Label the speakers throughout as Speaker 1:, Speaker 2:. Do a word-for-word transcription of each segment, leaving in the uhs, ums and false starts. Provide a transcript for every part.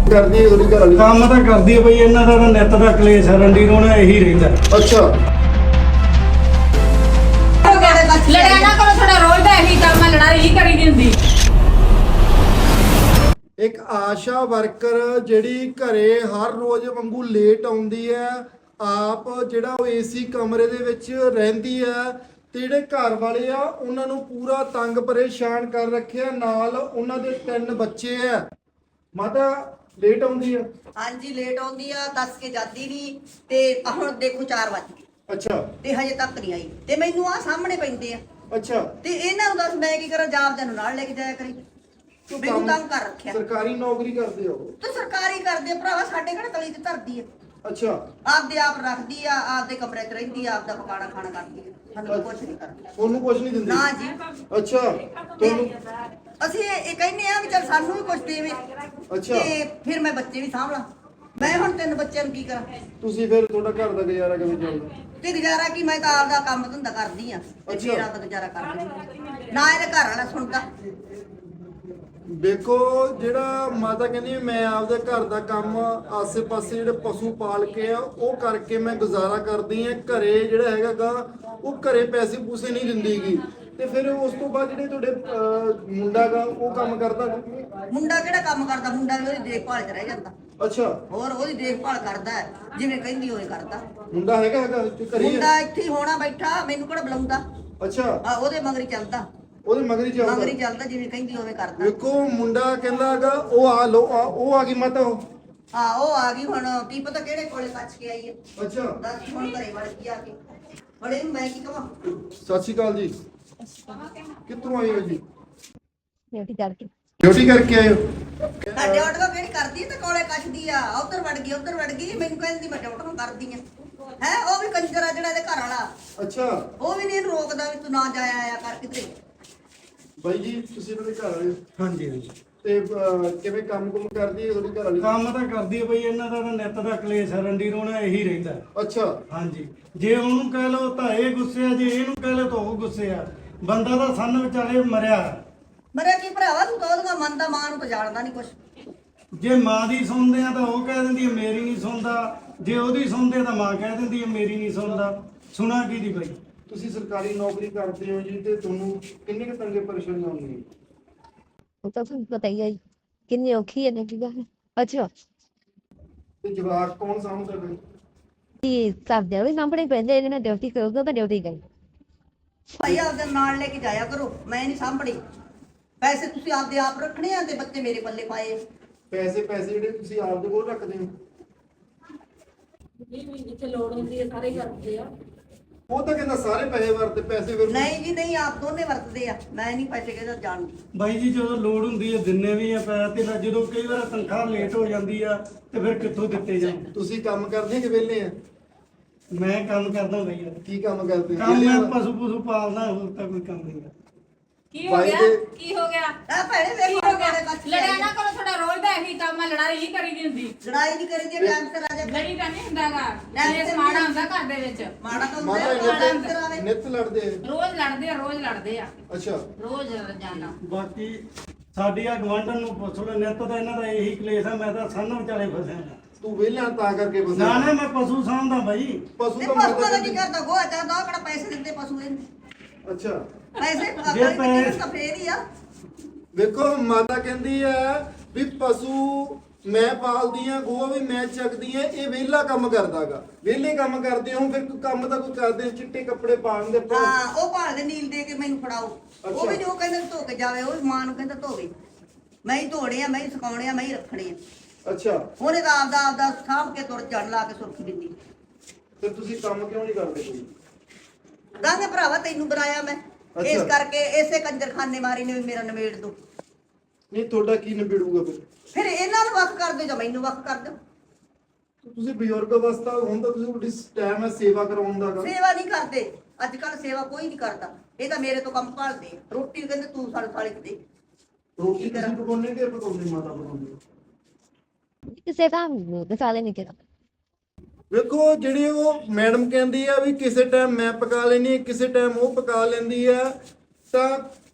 Speaker 1: ਕਰਦੀ ਹੈ ਉਹਦੀ ਘਰ ਵਾਲੀ?
Speaker 2: ਕੰਮ ਤਾਂ ਕਰਦੀ ਹੈ ਬਈ, ਇਹਨਾਂ ਦਾ ਤਾਂ ਨਿੱਤ ਦਾ ਕਲੇਸ਼ ਹੈ, ਰੰਡੀ ਰੋਣਾ ਇਹੀ ਰਹਿੰਦਾ।
Speaker 1: ਅੱਛਾ
Speaker 3: ਲੜਿਆ ਨਾ ਕਰੋ, ਤੁਹਾਡਾ ਰੋਜ਼ ਦਾ ਇਹੀ ਕੰਮ ਹੈ, ਲੜਾਈ ਹੀ ਕਰੀ ਦੀ ਹੁੰਦੀ।
Speaker 1: ਇੱਕ ਆਸ਼ਾ ਵਰਕਰ ਜਿਹੜੀ ਘਰੇ ਹਰ ਰੋਜ਼ ਵਾਂਗੂ ਲੇਟ ਆਉਂਦੀ ਹੈ, ਆਪ ਜਿਹੜਾ ਉਹ ਏਸੀ ਕਮਰੇ ਦੇ ਵਿੱਚ ਰਹਿੰਦੀ ਹੈ ਤੇ ਜਿਹੜੇ ਘਰ ਵਾਲੇ ਆ ਉਹਨਾਂ ਨੂੰ ਪੂਰਾ ਤੰਗ ਪਰੇਸ਼ਾਨ ਕਰ ਰੱਖਿਆ, ਨਾਲ ਉਹਨਾਂ ਦੇ ਤਿੰਨ ਬੱਚੇ ਆ। ਮਾਤਾ ਲੇਟ ਆਉਂਦੀ ਆ?
Speaker 4: ਹਾਂਜੀ ਲੇਟ ਆਉਂਦੀ ਆ, ਦੱਸ ਕੇ ਜਾਂਦੀ ਨਹੀਂ ਤੇ ਹੁਣ ਦੇਖੋ ਚਾਰ ਵੱਜ ਗਏ
Speaker 1: ਅੱਛਾ
Speaker 4: ਤੇ ਹਜੇ ਤੱਕ ਨਹੀਂ ਆਈ ਤੇ ਮੈਨੂੰ ਆ ਸਾਹਮਣੇ ਪੈਂਦੇ ਆ
Speaker 1: ਅੱਛਾ
Speaker 4: ਤੇ ਇਹਨਾਂ ਨੂੰ ਦੱਸ ਮੈਂ ਕੀ ਕਰਾਂ, ਜਾਬ ਨੂੰ ਨਾਲ ਲੈ ਕੇ ਜਾਇਆ ਕਰੀ, ਮੈਨੂੰ ਤੰਗ ਕਰ ਰੱਖਿਆ।
Speaker 1: ਸਰਕਾਰੀ ਨੌਕਰੀ ਕਰਦੇ ਹੋ?
Speaker 4: ਤੇ ਸਰਕਾਰੀ ਕਰਦੇ ਭਰਾਵਾ, ਸਾਡੇ ਕਿਹੜਾ ਤਲੀ ਤੇ ਧਰਦੀ ਆ।
Speaker 1: ਅੱਛਾ
Speaker 4: ਆਪਦੇ ਆਪ ਰੱਖਦੀ ਆ, ਆਪਦੇ ਕਮਰੇ 'ਚ ਰਹਿੰਦੀ ਆ, ਆਪਦਾ ਪਕਾਣਾ ਖਾਣਾ ਕਰਦੀ ਆ, ਸਾਨੂੰ ਕੁਝ ਨਹੀਂ ਕਰਦੀ।
Speaker 1: ਤੁਹਾਨੂੰ ਕੁਝ ਨਹੀਂ ਦਿੰਦੀ?
Speaker 4: ਨਾ ਜੀ।
Speaker 1: ਅੱਛਾ ਤੁਹਾਨੂੰ
Speaker 4: ਅਸੀਂ ਇਹ ਇਹ ਕਹਿੰਦੇ ਆ ਵੀ ਚੱਲ ਸਾਨੂੰ ਵੀ ਕੁਝ ਦੇਵੇ
Speaker 1: ਅੱਛਾ
Speaker 4: ਤੇ ਫਿਰ ਮੈਂ ਬੱਚੇ ਵੀ ਸਾਂਭਲਾਂ। ਮੈਂ ਹੁਣ ਤਿੰਨ ਬੱਚਿਆਂ ਨੂੰ ਕੀ ਕਰਾਂ?
Speaker 1: ਤੁਸੀਂ ਫਿਰ ਤੁਹਾਡਾ ਘਰ ਦਾ ਗੁਜ਼ਾਰਾ ਕਿਵੇਂ ਚੱਲਦਾ?
Speaker 4: ਤੇ ਗੁਜ਼ਾਰਾ ਕੀ, ਮੈਂ ਤਾਂ ਆਪਦਾ ਕੰਮ ਧੰਦਾ ਕਰਦੀ ਆ ਤੇ
Speaker 1: ਅੱਛਾ।
Speaker 4: ਮੇਰਾ ਤਾਂ ਗੁਜ਼ਾਰਾ ਕਰਦੀ ਆ। ਨਾ ਇਹਦੇ ਘਰ ਵਾਲਾ ਸੁਣਦਾ।
Speaker 1: ਦੇਖੋ ਜਿਹੜਾ ਮਾਤਾ ਕਹਿੰਦੀ ਵੀ ਮੈਂ ਆਪਦੇ ਘਰ ਦਾ ਕੰਮ ਆਸੇ-ਪਾਸੇ ਜਿਹੜੇ ਪਸ਼ੂ ਪਾਲ ਕੇ ਆ ਉਹ ਕਰਕੇ ਮੈਂ ਗੁਜ਼ਾਰਾ ਕਰਦੀ ਆ, ਘਰੇ ਜਿਹੜਾ ਹੈਗਾਗਾ ਉਹ ਘਰੇ ਪੈਸੇ ਪੂਸੇ ਨਹੀਂ ਦਿੰਦੀਗੀ। ਤੇ ਫਿਰ ਉਸ ਤੋਂ ਬਾਅਦ ਜਿਹੜੇ ਤੁਹਾਡੇ ਅਹ, ਮੁੰਡਾ ਗਾ ਉਹ ਕੰਮ ਕਰਦਾ?
Speaker 4: ਮੁੰਡਾ ਕਿਹੜਾ ਕੰਮ ਕਰਦਾ? ਮੁੰਡਾ ਵੀ ਉਹਦੀ ਦੇਖਭਾਲ 'ਚ ਰਹਿ ਜਾਂਦਾ।
Speaker 1: ਅੱਛਾ
Speaker 4: ਹੋਰ ਉਹਦੀ ਦੇਖਭਾਲ ਕਰਦਾ ਹੈ, ਜਿਵੇਂ ਕਹਿੰਦੀ ਹੋਏ ਕਰਦਾ।
Speaker 1: ਮੁੰਡਾ ਹੈਗਾ ਹੈਗਾ ਇੱਥੇ ਘਰੇ ਹੀ
Speaker 4: ਮੁੰਡਾ
Speaker 1: ਹੈ?
Speaker 4: ਇੱਥੇ ਹੀ ਹੋਣਾ ਬੈਠਾ, ਮੈਨੂੰ ਕਿਹੜਾ ਬੁਲਾਉਂਦਾ।
Speaker 1: ਅੱਛਾ
Speaker 4: ਆ ਉਹਦੇ ਮਗਰੀ ਚੱਲਦਾ,
Speaker 1: ਉਹਦੇ ਮਗਰੀ ਚੱਲਦਾ?
Speaker 4: ਮਗਰੀ ਚੱਲਦਾ, ਜਿਵੇਂ ਕਹਿੰਦੀ ਹੋਵੇ ਕਰਦਾ।
Speaker 1: ਵੇਖੋ ਮੁੰਡਾ ਕਹਿੰਦਾ ਹੈਗਾ ਉਹ ਆ ਲੋ ਆ ਉਹ ਆ ਗਈ ਮਾਤਾ ਉਹ।
Speaker 4: ਹਾਂ ਉਹ ਆ ਗਈ, ਹੁਣ ਕੀ ਪਤਾ ਕਿਹੜੇ ਕੋਲੇ ਕੱਚ ਕੇ ਆਈ ਹੈ।
Speaker 1: ਅੱਛਾ
Speaker 4: ਦੱਸ ਹੁਣ ਘਰੇ ਵੜ ਗਈ ਆ ਕੇ। ਹੁਣ ਇਹਨੂੰ ਮੈਂ ਕੀ ਕਵਾਂ?
Speaker 1: ਸਤਿ ਸ਼੍ਰੀ ਅਕਾਲ ਜੀ। ਕਿੱਥੋਂ ਆਏ ਹੋ ਜੀ?
Speaker 5: ਡਿਊਟੀ ਕਰਕੇ
Speaker 1: ਡਿਊਟੀ ਕਰਕੇ ਆਏ ਹੋ?
Speaker 4: ਸਾਡੇ ਆਟੋ ਕਿਹੜੀ ਕਰਦੀ ਤੇ ਕੋਲੇ ਕੱਚਦੀ ਆ, ਉਧਰ ਵੜ ਗਈ ਉਧਰ ਵੜ ਗਈ, ਮੈਨੂੰ ਕਹਿੰਦੀ ਮੈਂ ਆਟੋ ਕਰਦੀ ਆ। ਹੈ ਉਹ ਵੀ ਕੰਜਰ ਆ ਜਿਹੜਾ ਇਹਦੇ ਘਰ ਵਾਲਾ,
Speaker 1: ਅੱਛਾ
Speaker 4: ਉਹ ਵੀ ਨਹੀਂ ਇਹਨੂੰ ਰੋਕਦਾ ਵੀ ਤੂੰ ਨਾ ਜਾਇਆ ਆਇਆ ਕਰ ਕਿਤੇ।
Speaker 1: ਬਾਈ ਜੀ ਤੁਸੀਂ ਇਹਨਾਂ ਦੇ ਘਰ ਵਾਲੇ ਹੋ?
Speaker 2: ਹਾਂਜੀ ਹਾਂਜੀ।
Speaker 1: ਤੇ ਅਹ, ਕਿਵੇਂ ਕੰਮ ਕੁਮ ਕਰਦੀ ਹੈ ਤੁਹਾਡੀ ਘਰ ਵਾਲੀ?
Speaker 2: ਕੰਮ ਤਾਂ ਕਰਦੀ ਹੈ ਬਈ, ਇਹਨਾਂ ਦਾ ਤਾਂ ਨਿੱਤ ਦਾ ਕਲੇਸ਼ ਹੈ, ਰੰਡੀ ਰੋਣਾ ਇਹੀ ਰਹਿੰਦਾ।
Speaker 1: ਅੱਛਾ
Speaker 2: ਹਾਂਜੀ, ਜੇ ਉਹਨੂੰ ਕਹਿ ਲਓ ਤਾਂ ਇਹ ਗੁੱਸੇ ਆ, ਜੇ ਇਹਨੂੰ ਕਹਿ ਲਓ ਤਾਂ ਉਹ ਗੁੱਸੇ ਆ। ਬੰਦਾ ਤਾਂ ਸੰਨ ਵਿਚਾਲੇ ਮਰਿਆ।
Speaker 4: ਮਰਿਆ ਕੀ ਭਰਾਵਾ, ਤੂੰ ਤਾਂ ਉਹਦਾ ਮੰਨਦਾ, ਮਾਂ ਨੂੰ ਤਾਂ ਜਾਣਦਾ ਨਹੀਂ ਕੁਛ।
Speaker 2: ਜੇ ਮਾਂ ਦੀ ਸੁਣਦੇ ਆ ਤਾਂ ਉਹ ਕਹਿ ਦਿੰਦੀ ਹੈ ਮੇਰੀ ਨਹੀਂ ਸੁਣਦਾ, ਜੇ ਉਹਦੀ ਸੁਣਦੇ ਤਾਂ ਮਾਂ ਕਹਿ ਦਿੰਦੀ ਹੈ ਮੇਰੀ ਨਹੀਂ ਸੁਣਦਾ। ਸੁਣਾ ਕੀ ਦੀ ਬਈ?
Speaker 1: ਤੁਸੀਂ ਸਰਕਾਰੀ ਨੌਕਰੀ ਕਰਦੇ ਹੋ ਜੀ ਤੇ ਤੁਹਾਨੂੰ ਕਿੰਨੇ ਕੁ ਤੰਗੇ ਪਰੇਸ਼ਾਨੀ ਆਉਂਦੀ?
Speaker 5: ਉਹ ਤਾਂ ਤੁਹਾਨੂੰ ਪਤਾ ਹੀ ਹੈ ਜੀ, ਕਿੰਨੀ ਔਖੀ ਹੈ ਨਾ ਕੀ ਗੱਲ। ਅੱਛਾ
Speaker 1: ਤੇ ਜਵਾਕ ਕੌਣ ਸਾਂਭਦਾ ਫਿਰ?
Speaker 5: ਇਹ ਸਰਦਿਆਂ ਵੀ ਸਾਹਮਣੇ ਪੈਂਦੇ, ਇਹਦੇ ਨਾਲ ਡਿਊਟੀ ਕਰੂਗਾ ਤਾਂ ਡਿਊਟੀ ਗਈ।
Speaker 4: ਭਾਈ ਆਪਦੇ ਨਾਲ ਲੈ ਕੇ ਜਾਇਆ ਕਰੋ, ਮੈਂ ਨਹੀਂ ਸਾਂਭਣੀ। ਪੈਸੇ ਤੁਸੀਂ ਆਪਦੇ ਆਪ ਰੱਖਣੇ ਆ ਤੇ ਬੱਚੇ ਮੇਰੇ ਪੱਲੇ ਪਾਏ।
Speaker 1: ਪੈਸੇ ਪੈਸੇ ਜਿਹੜੇ ਤੁਸੀਂ ਆਪਦੇ ਕੋਲ ਰੱਖਦੇ ਹੋ?
Speaker 3: ਜਿੱਥੇ ਲੋੜ ਹੁੰਦੀ ਹੈ ਸਾਰੇ ਕਰਦੇ ਆ।
Speaker 1: ਉਹ ਤਾਂ ਕਹਿੰਦਾ ਸਾਰੇ ਪੈਸੇ ਵਰਤੇ, ਪੈਸੇ ਫਿਰ
Speaker 4: ਨਹੀਂ ਜੀ ਨਹੀਂ, ਆਪ ਦੋਨੇ ਵਰਤਦੇ ਆ, ਮੈਂ ਨਹੀਂ ਪੈਸੇ ਕਿਹਦਾ ਜਾਣਦੀ।
Speaker 2: ਬਾਈ ਜੀ ਜਦੋਂ ਲੋੜ ਹੁੰਦੀ ਹੈ ਦਿੰਨੇ ਵੀ ਆ ਪੈਸੇ, ਤੇ ਨਾ ਜਦੋਂ ਕਈ ਵਾਰ ਤਨਖਾਹ ਲੇਟ ਹੋ ਜਾਂਦੀ ਆ ਤੇ ਫਿਰ ਕਿੱਥੋਂ ਦਿੱਤੇ ਜਾਣ।
Speaker 1: ਤੁਸੀਂ ਕੰਮ ਕਰਦੇ ਕਿ ਵਿਹਲੇ ਆ?
Speaker 2: ਮੈਂ ਕੰਮ ਕਰਦਾ ਬਈ ਯਾਰ।
Speaker 1: ਕੀ ਕੰਮ ਕਰਦੇ?
Speaker 2: ਕੰਮ
Speaker 1: ਵਿਹਲੇ
Speaker 2: ਮੈਂ
Speaker 1: ਆ?
Speaker 2: ਪਸ਼ੂ ਪਸ਼ੂ ਪਾਲਦਾ, ਹੋਰ ਤਾਂ ਕੋਈ ਕੰਮ ਨਹੀਂ।
Speaker 3: ਕੀ ਹੋ
Speaker 1: ਬਾਈ
Speaker 3: ਗਿਆ
Speaker 1: ਦੇ-
Speaker 3: ਕੀ ਹੋ ਗਿਆ
Speaker 4: ਆ ਭੈਣੇ
Speaker 3: ਕੀ
Speaker 4: ਵੇਖੋ
Speaker 3: ਹੋ ਗਿਆ?
Speaker 4: ਕੋਲੇ ਕੱਚ ਕੇ
Speaker 3: ਲੜਿਆ
Speaker 4: ਆਈ
Speaker 3: ਨਾ
Speaker 4: ਆ।
Speaker 3: ਕਰੋ, ਤੁਹਾਡਾ ਰੋਜ਼ ਦਾ ਇਹੀ ਕੰਮ ਹੈ, ਲੜਾਈ ਹੀ ਕਰੀ ਦੀ ਹੁੰਦੀ।
Speaker 4: ਲੜਾਈ ਨਹੀਂ ਕਰੀਦੀ, ਟਾਈਮ ਤੇ ਰਾਜਾ
Speaker 3: ਲੜੀ ਤਾਂ ਨਹੀਂ ਹੁੰਦਾਗਾ,
Speaker 4: ਟਾਈਮ
Speaker 3: ਇਹ
Speaker 4: ਸਿਰ
Speaker 3: ਸਮਾਣਾ ਹੁੰਦਾ ਘਰ ਦੇ ਵਿੱਚ।
Speaker 4: ਮਾੜਾ ਤਾਂ ਹੁੰਦਾ
Speaker 1: ਮਾਤਾ
Speaker 4: ਹੈ, ਟਾਈਮ ਤੇ
Speaker 1: ਨਿੱਤ
Speaker 4: ਆਵੇ।
Speaker 1: ਨਿੱਤ ਲੜਦੇ ਆ?
Speaker 3: ਰੋਜ਼ ਲੜਦੇ ਆ, ਰੋਜ਼ ਲੜਦੇ ਆ,
Speaker 1: ਅੱਛਾ
Speaker 3: ਰੋਜ਼ ਜਾਣਾ।
Speaker 2: ਬਾਕੀ ਸਾਡੀ ਆ ਗਵਾਂਢਣ ਨੂੰ ਪੁੱਛ ਲਓ, ਨਿੱਤ ਦਾ ਇਹਨਾਂ ਦਾ ਇਹੀ ਕਲੇਸ਼ ਆ। ਮੈਂ ਤਾਂ ਸੰਨ ਵਿਚਾਲੇ ਫਸਿਆ।
Speaker 1: ਤੂੰ ਵਿਹਲਾ ਤਾਂ ਕਰਕੇ ਬਸ
Speaker 2: ਨਾ ਨਾ ਮੈਂ ਪਸ਼ੂ ਸਾਂਭਦਾ ਬਾਈ।
Speaker 1: ਪਸ਼ੂ
Speaker 4: ਤੇ
Speaker 1: ਤਾਂ
Speaker 4: ਪਸ਼ੂਆਂ
Speaker 1: ਮਾਤਾ
Speaker 4: ਦਾ ਕੀ
Speaker 1: ਕਹਿੰਦੀ-
Speaker 4: ਕਰਦਾ? ਗੋਹਾ ਚਾਹਦਾ, ਉਹ ਕਿਹੜਾ ਪੈਸੇ ਦਿੰਦੇ ਪਸ਼ੂ ਇਹਨੂੰ?
Speaker 1: ਅੱਛਾ
Speaker 4: ਪੈਸੇ
Speaker 2: ਜੇ
Speaker 4: ਅਗਲੀ
Speaker 2: ਪੈ-
Speaker 4: ਬੱਚੇ ਤਾਂ ਫੇਰ ਹੀ ਆ।
Speaker 1: ਵੇਖੋ ਮਾਤਾ ਕਹਿੰਦੀ ਆ ਵੀ ਪਸ਼ੂ ਮੈਂ ਪਾਲਦੀ ਆ, ਗੋਹਾ ਵੀ ਮੈਂ ਚੱਕਦੀ ਆ, ਇਹ ਵਿਹਲਾ ਕੰਮ ਕਰਦਾਗਾ। ਵਿਹਲੇ ਕੰਮ ਕਰਦੇ ਹੋ ਫਿਰ ਕੋਈ ਕੰਮ ਤਾਂ ਕੋਈ ਕਰਦੇ ਹੋ, ਚਿੱਟੇ ਕੱਪੜੇ ਪਾਉਣ ਦੇ ਪਾ-
Speaker 4: ਹਾਂ ਉਹ ਭਾਲਦੇ ਨੀਲ ਦੇ ਕੇ ਮੈਨੂੰ ਫੜਾਓ। ਉਹ ਵੀ ਜੋ ਕਹਿੰਦੇ ਧੋ ਕੇ ਜਾਵੇ, ਉਹ ਵੀ ਮਾਂ ਨੂੰ ਕਹਿੰਦਾ ਧੋਵੇ। ਮੈਂ ਹੀ ਧੋਣੇ ਆ, ਮੈਂ ਹੀ ਸੁਕਾਉਣੇ ਆ, ਮੈਂ ਹੀ ਰੱਖਣੇ ਆ।
Speaker 1: ਅੱਛਾ
Speaker 4: ਉਹਨੇ ਤਾਂ ਆਪਦਾ ਆਪਦਾ ਸਾਂਭ ਕੇ ਤੁਰ ਜੜ ਲਾ ਕੇ ਸੁਰਖੀ ਦਿੰਦੀ।
Speaker 1: ਫਿਰ ਤੁਸੀਂ ਕੰਮ ਕਿਉਂ ਨਹੀਂ ਕਰਦੇ ਕੋਈ?
Speaker 4: ਕਹਿੰਦੇ ਭਰਾਵਾ ਤੈਨੂੰ ਬਣਾਇਆ ਮੈਂ, ਇਸ
Speaker 1: ਅੱਛਾ।
Speaker 4: ਕਰਕੇ ਇਸੇ ਕੰਜਰਖਾਨੇ ਮਾਰੀ ਨੇ ਵੀ ਮੇਰਾ ਨਿਬੇੜ ਦੋ।
Speaker 1: ਨਹੀਂ ਤੁਹਾਡਾ ਕੀ ਨਿਬੜੂਗਾ ਫਿਰ?
Speaker 4: ਫਿਰ ਇਹਨਾਂ ਨੂੰ ਵੱਖ ਕਰ ਦਿਓ ਜਾਂ ਮੈਨੂੰ ਵੱਖ ਕਰ ਦਿਓ।
Speaker 1: ਤੁਸੀਂ ਬਜ਼ੁਰਗ ਅਵਸਥਾ ਹੁੰਦਾ, ਤੁਸੀਂ ਤੁਹਾਡੀ ਟਾਈਮ ਹੈ ਸੇਵਾ ਕਰਾਉਣ ਦਾ ਗਾ।
Speaker 4: ਸੇਵਾ ਨਹੀਂ ਕਰਦੇ ਅੱਜ ਕੱਲ, ਸੇਵਾ ਕੋਈ ਨਹੀਂ ਕਰਦਾ। ਇਹ ਤਾਂ ਮੇਰੇ ਤੋਂ ਕੰਮ ਭਾਲਦੇ ਆ। ਰੋਟੀ ਕਹਿੰਦੇ ਤੂੰ ਸਾਲ ਸਾਲ ਦੇ।
Speaker 1: ਰੋਟੀ ਤੁਸੀਂ ਪਕਾਉਣੇ ਕਿ ਪਕਾਉਂਦੇ ਮਾਤਾ ਪਕਾਉਂਦੇ?
Speaker 5: ਕਿਸੇ ਕੰਮ ਨੂੰ ਦਸਾਲੇ ਨਹੀਂ ਕਿਹਾ।
Speaker 1: ਵੇਖੋ ਜਿਹੜੀ ਉਹ ਮੈਡਮ ਕਹਿੰਦੀ ਆ ਵੀ ਕਿਸੇ ਟਾਈਮ ਮੈਂ ਪਕਾ ਲੈਣੀ, ਕਿਸੇ ਟਾਈਮ ਉਹ ਪਕਾ ਲੈਂਦੀ ਆ, ਤਾਂ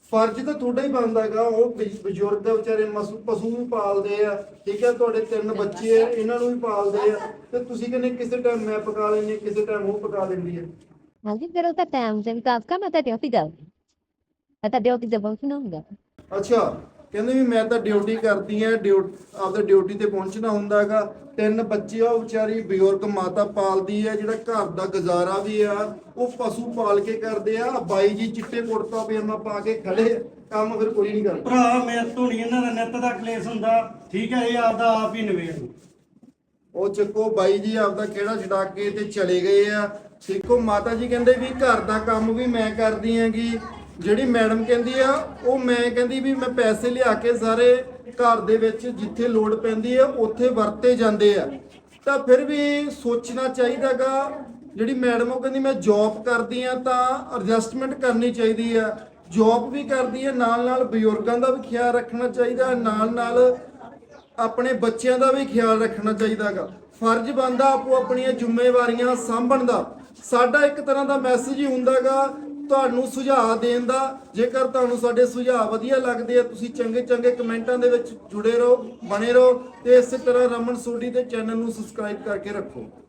Speaker 1: ਫਰਜ਼ ਤਾਂ ਤੁਹਾਡਾ ਹੀ ਬਣਦਾ ਹੈਗਾ। ਉਹ ਬਜ਼- ਬਜ਼ੁਰਗ ਵਿਚਾਰੇ ਮਸੂ ਪਸ਼ੂ ਵੀ ਪਾਲਦੇ ਆ, ਠੀਕ ਹੈ, ਤੁਹਾਡੇ ਤਿੰਨ ਬੱਚੇ ਆ, ਇਹਨਾਂ ਨੂੰ ਵੀ ਪਾਲਦੇ ਆ, ਤੇ ਤੁਸੀਂ ਕਹਿੰਦੇ ਕਿਸੇ ਟਾਈਮ ਮੈਂ ਪਕਾ ਲੈਂਦੀ, ਕਿਸੇ ਟਾਈਮ ਉਹ ਪਕਾ ਦਿੰਦੀ ਹੈ।
Speaker 5: ਹਾਂਜੀ ਫਿਰ ਉਹ ਤਾਂ ਟਾਈਮ ਦੇ ਵਿਕਾਸ ਕਾ ਮੈਂ ਤਾਂ ਡਿਊਟੀ ਦਾ ਮੈਂ ਤਾਂ ਡਿਊਟੀ ਤੇ ਬਹੁਤ ਨਾ ਹੁੰਦਾ।
Speaker 1: ਅੱਛਾ, ਕਹਿੰਦੇ ਵੀ ਮੈਂ ਤਾਂ ਡਿਊਟੀ ਕਰਦੀ ਆ, ਡਿਊ ਆਪਦਾ ਡਿਊਟੀ ਤੇ ਪਹੁੰਚਣਾ ਹੁੰਦਾ ਹੈਗਾ। ਤਿੰਨ ਬੱਚੇ ਆ, ਉਹ ਵਿਚਾਰੀ ਬਜ਼ੁਰਗ ਮਾਤਾ ਪਾਲਦੀ ਆ, ਜਿਹੜਾ ਘਰ ਦਾ ਗੁਜ਼ਾਰਾ ਵੀ ਆ ਉਹ ਪਸ਼ੂ ਪਾਲ ਕੇ ਕਰਦੇ ਆ। ਬਾਈ ਜੀ ਚਿੱਟੇ ਕੁੜਤਾ ਪਜਾਮਾ ਪਾ ਕੇ ਖੜੇ ਆ, ਕੰਮ ਫਿਰ ਕੋਈ ਨਹੀਂ ਕਰਦਾ।
Speaker 2: ਭਰਾ ਮੇਰੇ ਤੋਂ ਨਹੀਂ ਇਹਨਾਂ ਦਾ ਨਿੱਤ ਦਾ ਕਲੇਸ਼ ਹੁੰਦਾ, ਠੀਕ ਹੈ, ਇਹ ਆਪਦਾ ਆਪ ਹੀ ਨਵੇੜੋ।
Speaker 1: ਉਹ ਚੱਕੋ ਬਾਈ ਜੀ ਆਪਦਾ ਕਿਹੜਾ ਛਡਾ ਕੇ ਤੇ ਚਲੇ ਗਏ ਆ। ਦੇਖੋ ਮਾਤਾ ਜੀ ਕਹਿੰਦੇ ਵੀ ਘਰ ਦਾ ਕੰਮ ਵੀ ਮੈਂ ਕਰਦੀ ਹੈਗੀ, ਜਿਹੜੀ ਮੈਡਮ ਕਹਿੰਦੀ ਆ ਉਹ ਮੈਂ ਕਹਿੰਦੀ ਵੀ ਮੈਂ ਪੈਸੇ ਲਿਆ ਕੇ ਸਾਰੇ ਘਰ ਦੇ ਵਿੱਚ ਜਿੱਥੇ ਲੋੜ ਪੈਂਦੀ ਆ ਉੱਥੇ ਵਰਤੇ ਜਾਂਦੇ ਆ। ਤਾਂ ਫਿਰ ਵੀ ਸੋਚਣਾ ਚਾਹੀਦਾਗਾ, ਜਿਹੜੀ ਮੈਡਮ ਉਹ ਕਹਿੰਦੀ ਮੈਂ ਜੌਬ ਕਰਦੀ ਆ ਤਾਂ ਐਡਜਸਟਮੈਂਟ ਕਰਨੀ ਚਾਹੀਦੀ ਆ। ਜੌਬ ਵੀ ਕਰਦੀ ਆ, ਨਾਲ ਨਾਲ ਬਜ਼ੁਰਗਾਂ ਦਾ ਵੀ ਖਿਆਲ ਰੱਖਣਾ ਚਾਹੀਦਾ, ਨਾਲ ਨਾਲ ਆਪਣੇ ਬੱਚਿਆਂ ਦਾ ਵੀ ਖਿਆਲ ਰੱਖਣਾ ਚਾਹੀਦਾਗਾ। ਫਰਜ਼ ਬਣਦਾ ਆਪੋ ਆਪਣੀਆਂ ਜ਼ਿੰਮੇਵਾਰੀਆਂ ਸਾਂਭਣ ਦਾ। ਸਾਡਾ ਇੱਕ ਤਰ੍ਹਾਂ ਦਾ ਮੈਸੇਜ ਹੀ ਹੁੰਦਾਗਾ ਤੁਹਾਨੂੰ ਸੁਝਾਅ ਦੇਣ ਦਾ। ਜੇਕਰ ਤੁਹਾਨੂੰ ਸਾਡੇ ਸੁਝਾਅ ਵਧੀਆ ਲੱਗਦੇ ਆ, ਤੁਸੀਂ ਚੰਗੇ ਚੰਗੇ ਕਮੈਂਟਾਂ ਦੇ ਵਿੱਚ ਜੁੜੇ ਰਹੋ, ਬਣੇ ਰਹੋ, ਤੇ ਇਸੇ ਤਰ੍ਹਾਂ ਰਮਨ ਸੋਢੀ ਦੇ ਚੈਨਲ ਨੂੰ ਸਬਸਕ੍ਰਾਈਬ ਕਰਕੇ ਰੱਖੋ।